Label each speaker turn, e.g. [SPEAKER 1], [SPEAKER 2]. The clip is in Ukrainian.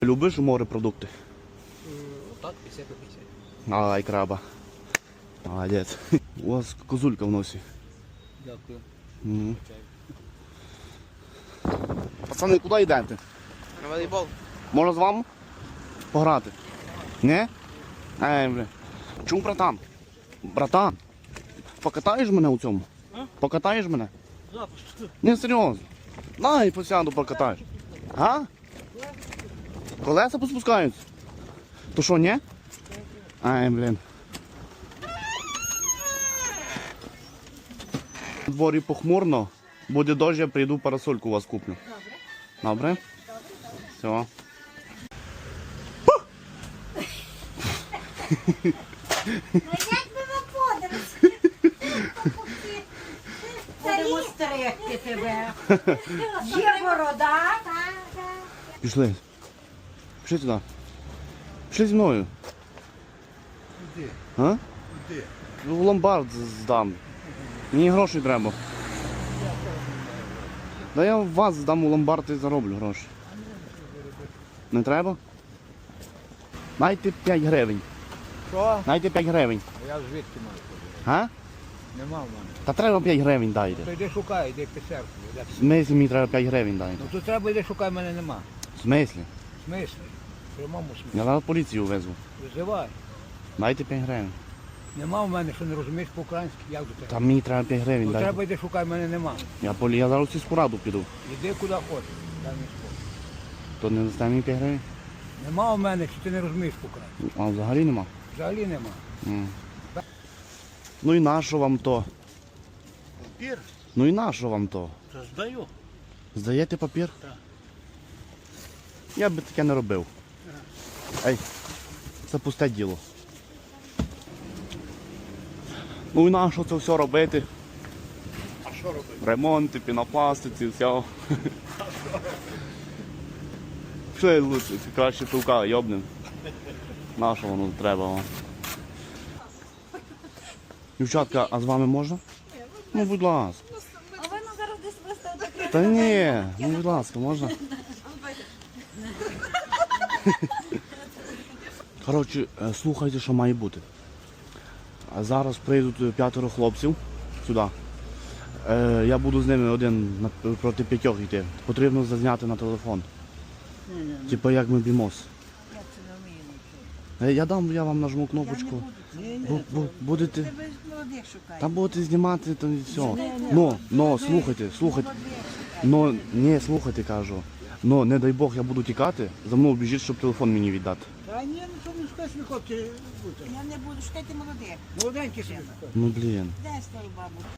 [SPEAKER 1] Любиш морепродукти?
[SPEAKER 2] Так, 50 на 50.
[SPEAKER 1] Ай, краба. Молодець. У вас козулька в носі.
[SPEAKER 2] Дякую.
[SPEAKER 1] Угу. Пацани, куди йдете?
[SPEAKER 2] На волейбол?
[SPEAKER 1] Можна з вами пограти? Не? Ей, бля. Чому, братан? Братан, покатаєш мене у цьому? Покатаєш мене? Не, серйозно. Дай посяду покатаєш. А? Колеса поспускаються? То що, ні? Ай, блін. У дворі похмурно. Буде дощ, я прийду парасольку у вас куплю. Добре? Все.
[SPEAKER 3] Як би ви подорож?
[SPEAKER 4] Будемо стерегти тебе. Є борода.
[SPEAKER 1] Пішли. Пішли сюди. Пішли зі мною.
[SPEAKER 2] Куди?
[SPEAKER 1] А?
[SPEAKER 2] Куди?
[SPEAKER 1] В ломбард здам. Мені грошей треба. Да я вас здам у ломбард і зароблю гроші. Не треба? Дайте 5 гривень.
[SPEAKER 2] Що?
[SPEAKER 1] Дайте 5 гривень.
[SPEAKER 2] Я звідки маю?
[SPEAKER 1] А?
[SPEAKER 2] Нема в мене.
[SPEAKER 1] Та треба 5 гривень дайте.
[SPEAKER 2] То йди шукай, йди писерку.
[SPEAKER 1] В смислі мені треба 5 гривень дайте.
[SPEAKER 2] Ну то треба йди шукай, мене нема.
[SPEAKER 1] В смислі?
[SPEAKER 2] В смислі? В прямому смислі.
[SPEAKER 1] Я зараз поліцію везу.
[SPEAKER 2] Визивай.
[SPEAKER 1] Дайте 5 гривень.
[SPEAKER 2] Нема в мене, що не розумієш по-українськи, як до тебе.
[SPEAKER 1] Та мені треба 5 гривень
[SPEAKER 2] Ну
[SPEAKER 1] дайте.
[SPEAKER 2] треба йди шукай, мене нема.
[SPEAKER 1] Я зараз у сільську раду піду.
[SPEAKER 2] Іди куди хочеш. Дай мені спокій.
[SPEAKER 1] То не дасте мені 5 гривень?
[SPEAKER 2] Нема в мене, що ти не розумієш по-українськи.
[SPEAKER 1] А взагалі нема.
[SPEAKER 2] Взагалі нема.
[SPEAKER 1] Ну і нащо вам то?
[SPEAKER 2] Папір?
[SPEAKER 1] Ну і нащо вам то?
[SPEAKER 2] Та здаю.
[SPEAKER 1] Здаєте папір?
[SPEAKER 2] Так.
[SPEAKER 1] Я би таке не робив. Ей, це пусте діло. Ну і нащо це все робити?
[SPEAKER 2] А що робити?
[SPEAKER 1] Ремонти, пінопластиці, все. Що я лучше, краще пилка йобнем. Нащо воно треба вам? Дівчатка, а з вами можна? Ну, будь ласка.
[SPEAKER 3] А ви нам зараз десь виставите.
[SPEAKER 1] Та ні, ну будь ласка, можна? Коротше, слухайте, що має бути. Зараз прийдуть 5 хлопців сюди. Я буду з ними один проти 5 йти. Потрібно зазняти на телефон. Типа як ми б'ємось. Я вам нажму кнопочку. Будете.
[SPEAKER 4] Ви ж молодих шукаєте.
[SPEAKER 1] Там будете знімати, то і все. Но, слухайте. Но, не, слухайте, кажу. Но, не дай Бог, я буду тікати, за мною біжіть, щоб телефон мені віддати.
[SPEAKER 2] Та ні, ну що не скажеш, ви хлопці бути.
[SPEAKER 4] Я не буду шукати молодих.
[SPEAKER 2] Молоденькі собі.
[SPEAKER 1] Ну, блін.
[SPEAKER 4] Де стару бабу?